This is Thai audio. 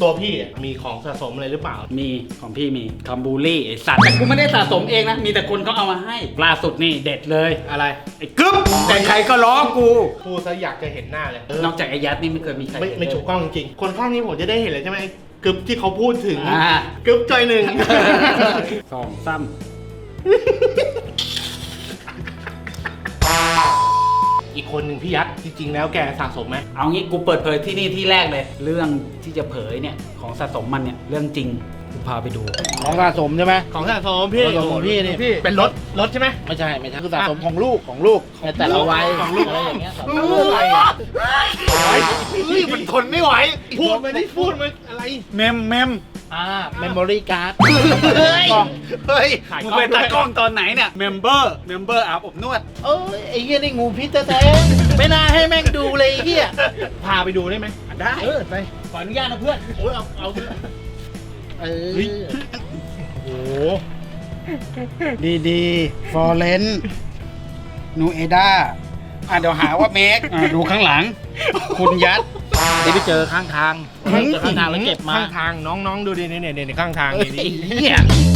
ตัวพี่มีของสะสมอะไรหรือเปล่ามีของพี่มีคอมบูรี่ไอสัตว์แต่กูไม่ได้สะสมเองนะมีแต่คนเขาเอามาให้ล่าสุดนี่เด็ดเลยอะไรไอ้กึ๊บแต่ใครก็ล้อกูพูดซะอยากจะเห็นหน้าเลยนอกจากไอ้ยัดนี่ไม่เคยมีใครไม่ถูกต้องจริงๆคนข้างนี้ผมจะได้เห็นเลยใช่ไหมกึบที่เขาพูดถึงอ่ากึบจอยหนึ่งสองซ้ำอีกคนหนึ่งพี่ยักษ์จริงๆแล้วแกสะสมไหมเอางี้กูเปิดเผยที่นี่ที่แรกเลย เรื่องที่จะเผยเนี่ยของสะสมมันเนี่ยเรื่องจริงกูพาไปดูของสะสมใช่ไหมของสะสมพี่ของสะสมของพี่นี่เป็นรถใช่ไหมไม่ใช่คือสะสมของลูกในแต่ละวัยของลูกอะไรอย่างเงี้ยสะสมอะไรอ่ะมันทนไม่ไหวพูดมันอะไรเมมเมมโมรี่การ์ดเฮ้ยมึงเป็นตากล้องตอนไหนเนี่ยเมมเบอร์อาบอบนวดเอ้ยไอ้เหี้ยนี่งูพิษแท้ๆไม่น่าให้แม่งดูเลยไอ้เหี้ยพาไปดูได้ไหมได้ไปขออนุญาตนะเพื่อนโอ้ยเอาเอเฮ้ยอโอ้ดีฟอร์เรนนูเอด้าเดี๋ยวหาว่าเมคดูข้างหลัง คุณยัดเดี๋ยวไปเจอข้างทางแล้วเก็บมาข้างทางน้องๆดูดิเนี่ยข้างทางเฮ้ยนี่ไอ้เหี้ย